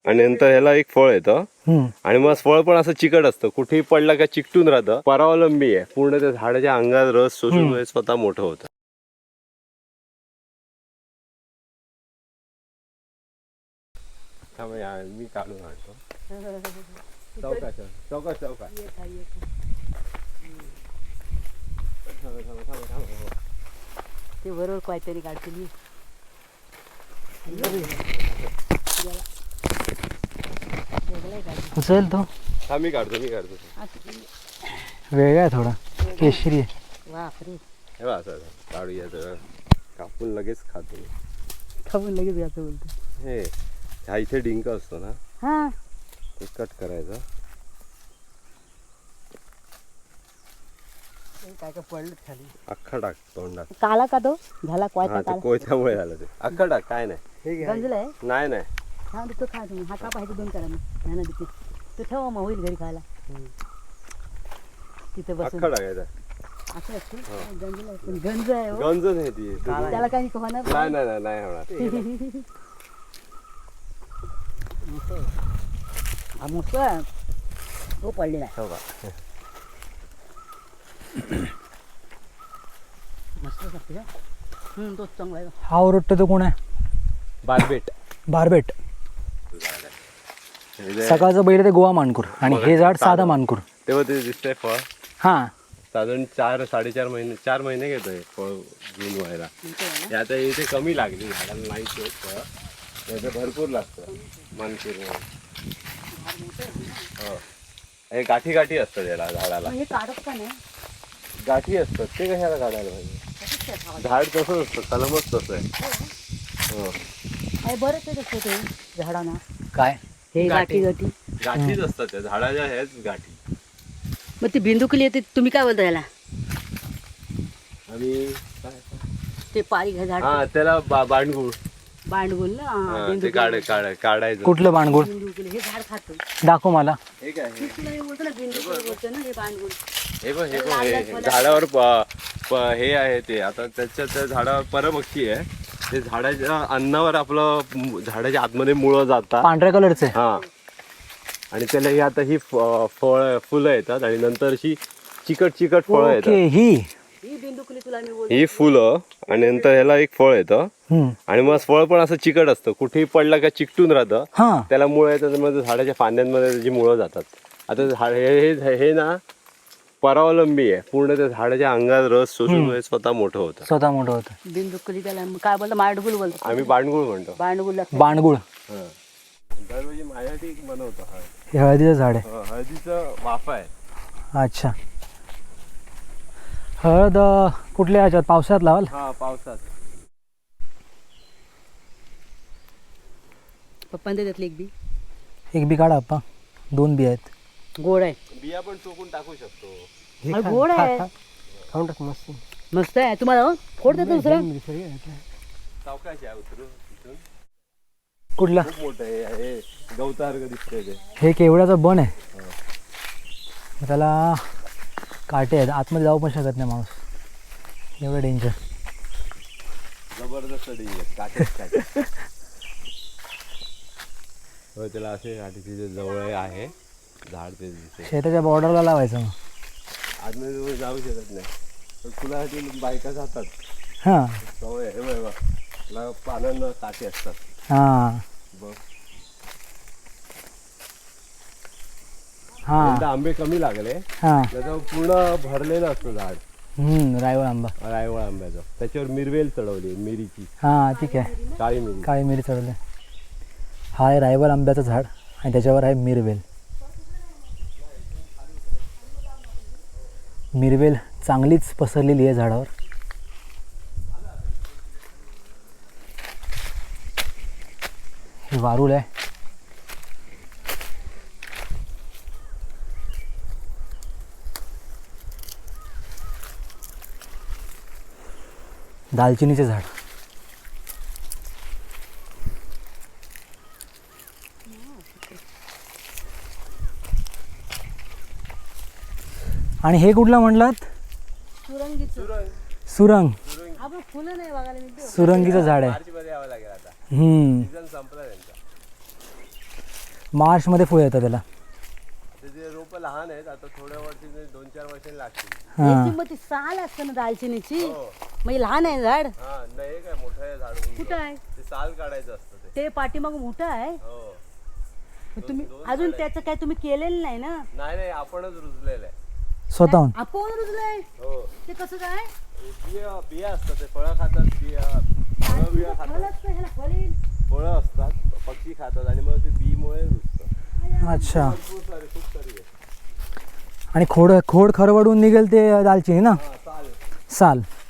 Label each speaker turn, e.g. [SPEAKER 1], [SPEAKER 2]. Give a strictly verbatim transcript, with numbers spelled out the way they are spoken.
[SPEAKER 1] आणि नंतर ह्याला एक फळ येतं आणि मग फळ पण असं चिकट असतं, कुठेही पडला का चिकटून राहतं. परावलंबी आहे, पूर्ण त्या झाडाच्या अंगात रस शोषून हे स्वतः मोठं होतं. मी काढून आणतो. चौकाश चौकाश चौकाश
[SPEAKER 2] ते बरोबर काहीतरी काढतील.
[SPEAKER 3] उचल तो.
[SPEAKER 1] हा मी काढतो मी काढतो
[SPEAKER 3] वेगळा आहे थोडा, केशरी आहे.
[SPEAKER 2] बापरे,
[SPEAKER 1] हे बघ असं काढूया तर कापून लगेच खातो.
[SPEAKER 2] खाऊन लगेच याचं बोलतो.
[SPEAKER 1] हे हा इथे डिंक असतो ना,
[SPEAKER 2] हा
[SPEAKER 1] ते कट करायचं.
[SPEAKER 2] काय काय पडलं खाली,
[SPEAKER 1] अख्खा टाक तोंडात.
[SPEAKER 2] काला का तो झाला
[SPEAKER 1] हा
[SPEAKER 2] कोयता
[SPEAKER 1] ते
[SPEAKER 2] काला
[SPEAKER 1] कोयत्यामुळे झालं ते. अख्खा टाक, काय नाही.
[SPEAKER 2] गंजलाय.
[SPEAKER 1] नाही नाही
[SPEAKER 2] हा तो खा तुम्ही. हा का पाहिजे दोन करा मग ह्यानं देते. तो ठेवा मग होईल घरी खायला. तिथे बसून
[SPEAKER 1] अख्खा टाकायचा.
[SPEAKER 2] असं असतं गंजलाय, पण गंज आहे हो.
[SPEAKER 1] गंज नाही ती.
[SPEAKER 2] त्याला काही होणार
[SPEAKER 1] नाही नाही नाही नाही होणार.
[SPEAKER 2] हा मुसळ तो पडलेला आहे.
[SPEAKER 1] हो का?
[SPEAKER 2] मस्त लागते का? हम्म, तोच चांगला आहे.
[SPEAKER 3] हा ओरडतो तो कोण आहे?
[SPEAKER 1] बारबेट.
[SPEAKER 3] बारबेट. सकाळचं बैल ते गोवा मानकूर आणि हे झाड साधा मानकूर.
[SPEAKER 1] तेव्हा ते दिसतंय फळ.
[SPEAKER 3] हा
[SPEAKER 1] साधारण चार साडेचार महिने चार महिने घेतोय फळ जून व्हायला. हे आता इथे कमी लागली झाडाला, नाही फळ त्याचं भरपूर लागतं मानकूर. हो, हे गाठी गाठी असतात याला झाडाला.
[SPEAKER 2] हे काढत का नाही?
[SPEAKER 1] गाठी असतात, ते कशाला काढायला पाहिजे? झाड तसंच असतं, कलमच तसं आहे. हो,
[SPEAKER 2] अरे बरंच आहे तसं ते झाडांना.
[SPEAKER 3] काय
[SPEAKER 2] हे गाठी गाठी
[SPEAKER 1] गाठीच असतात त्या झाडाच्या, ह्याच गाठी.
[SPEAKER 2] मग ती बिंदुकली येते, तुम्ही काय बोलता याला?
[SPEAKER 1] आणि
[SPEAKER 2] ते पारी घ्या झाड
[SPEAKER 1] हा त्याला बा- बांडगुळ.
[SPEAKER 2] बांडगुल ना.
[SPEAKER 1] हा, ते
[SPEAKER 2] बिंदुकली.
[SPEAKER 1] काढ काढ काढायचं.
[SPEAKER 3] कुठलं बाणगुळ?
[SPEAKER 2] बिंदुकली हे झाड खातो.
[SPEAKER 3] दाखव मला.
[SPEAKER 1] हे काय हे?
[SPEAKER 2] तुला हे बोलतो ना बिंदुकली बोलतो ना, हे बांडगुल.
[SPEAKER 1] हे बघ हे बघ हे झाडावर प- प- हे आहे ते. आता त्याच्या त्या झाडावर परभक्षी आहे ते. झाडाच्या अन्नावर आपलं मु- झाडाच्या आतमध्ये मुळं जातात.
[SPEAKER 3] पांढऱ्या कलरचे.
[SPEAKER 1] हा, आणि त्याला ही आता ही फ- फळ फुलं येतात आणि नंतर अशी चिकट चिकट फळं
[SPEAKER 3] ओके.
[SPEAKER 1] येतात.
[SPEAKER 3] ही
[SPEAKER 2] ही बिंदुकली तुला मी बोलतो.
[SPEAKER 1] ही फुलं आणि नंतर ह्याला एक फळ येतं
[SPEAKER 3] हम्म.
[SPEAKER 1] आणि मग फळ पण असं चिकट असतं, कुठेही पडला का चिकटून राहतं.
[SPEAKER 3] हा
[SPEAKER 1] त्याला मुळं येतात, मग झाडाच्या फांद्यांमध्ये त्याची मुळं जातात. आता झाड हे हे- हे ना परावलंबी आहे, पूर्ण त्या झाडाच्या अंगात रस शोषून हे स्वतः मोठं होतं.
[SPEAKER 3] स्वतः मोठं होतं.
[SPEAKER 2] बिंदुकली त्याला काय बोलतो? मांडगुल बोलतो.
[SPEAKER 1] आम्ही बांडगुळ म्हणतो.
[SPEAKER 2] बांडगुल लागतं.
[SPEAKER 3] बाणगुळ.
[SPEAKER 1] हा. दरवर्षी माझ्यासाठी एक बनवतो हळद.
[SPEAKER 3] हे हळदीचं झाड आहे.
[SPEAKER 1] हो, हळदीचं वाफा आहे.
[SPEAKER 3] अच्छा. हळद अं, कुठल्या ह्याच्यात पावसात लावाल?
[SPEAKER 1] हा, पावसात.
[SPEAKER 2] पप्पांनी त्यातली एक बी
[SPEAKER 3] एक बी काढा आप्पा. दोन बी आहेत.
[SPEAKER 2] गोड आहे.
[SPEAKER 1] बिया पण टोकून टाकू शकतो.
[SPEAKER 2] अरे गोड आहे.
[SPEAKER 3] खाऊन टाक मस्त.
[SPEAKER 2] मस्त आहे. तुम्हाला हो? फोड देतो दुसरं.
[SPEAKER 1] सावकाश आहे उतरून तिथून.
[SPEAKER 3] कुठला?
[SPEAKER 1] खूप मोठं आहे हे, गवतासारखं दिसतंय ते.
[SPEAKER 3] हे केवड्याचं बन आहे. त्याला काटे आहेत, आतमध्ये जाऊ पण शकत नाही माणूस, एवढं डेंजर.
[SPEAKER 1] जबरदस्त डिंग काटे काटे. हो, त्याला असे काटे तिथे जवळ आहे झाड ते दिसते.
[SPEAKER 3] शेताच्या बॉर्डरला लावायचं मग.
[SPEAKER 1] आतमध्ये जवळ जाऊ शकत नाही, पण फुलासाठी बायका जातात.
[SPEAKER 3] हां
[SPEAKER 1] सवय आहे. हे बघ, त्याला पानांना काटे असतात.
[SPEAKER 3] हां
[SPEAKER 1] बघ,
[SPEAKER 3] हां
[SPEAKER 1] यंदा आंबे कमी लागले,
[SPEAKER 3] हां.
[SPEAKER 1] त्याचं पूर्ण भरलेलं असतं झाड
[SPEAKER 3] हम्म, रायवळ आंबा.
[SPEAKER 1] रायवळ आंब्याचं. त्याच्यावर मिरवेल चढवली, मिरीची,
[SPEAKER 3] हां ठीक आहे.
[SPEAKER 1] काळी मिरी.
[SPEAKER 3] काळी मिरी चढवली. हा आहे रायवळ आंब्याचं झाड आणि त्याच्यावर आहे मिरवेल. मिरवेल चांगलीच पसरलेली आहे झाडावर. हे वारूळ आहे. दालचिनीचे झाड. आणि हे कुठला म्हणलात?
[SPEAKER 2] सुरंगीचं.
[SPEAKER 3] सुरंग.
[SPEAKER 2] आपण फुलं नाही बघायला मिळते.
[SPEAKER 3] सुरंगीचं झाड आहे.
[SPEAKER 1] मार्चमध्ये यावं लागेल आता,
[SPEAKER 3] हम्म.
[SPEAKER 1] सीझन संपला त्यांचा.
[SPEAKER 3] मार्चमध्ये फुलं येतं त्याला.
[SPEAKER 1] त्याचे रोप लहान आहेत, आता थोड्या वर्षी दोन चार वर्षांनी लागतील.
[SPEAKER 3] हां
[SPEAKER 2] याची मग ती साल असतं ना दालचिनीची,
[SPEAKER 1] हो.
[SPEAKER 2] म्हणजे लहान आहे झाड.
[SPEAKER 1] हा नाही काय मोठं आहे झाड उंच.
[SPEAKER 2] कुठं आहे
[SPEAKER 1] ते साल काढायचं असतं ते.
[SPEAKER 2] ते पाठीमाग मोठं आहे.
[SPEAKER 1] हो
[SPEAKER 2] मग तुम्ही
[SPEAKER 1] दोन
[SPEAKER 2] अजून
[SPEAKER 1] झाड
[SPEAKER 2] त्याचं काय तुम्ही केलेलं नाही ना?
[SPEAKER 1] नाही नाही आपणच रुजलेलं आहे.
[SPEAKER 3] स्वतःहून.
[SPEAKER 2] आपण रुजलंय
[SPEAKER 1] हो
[SPEAKER 2] ते कसं काय?
[SPEAKER 1] बिया बिया असतात, ते फळं खातात, बिया फळं बिया
[SPEAKER 2] फळ
[SPEAKER 1] खातात,
[SPEAKER 2] असतं ह्याला, फळ येईल.
[SPEAKER 1] फळं असतात, पक्षी खातात आणि मग ते बीमुळे रुजतं.
[SPEAKER 3] अच्छा.
[SPEAKER 1] भरपूर सारे खूप सारी आहे.
[SPEAKER 3] आणि खोड खोड खरवडून निघेल ते दालचिनी ना,
[SPEAKER 1] हा चालेल.
[SPEAKER 3] साल.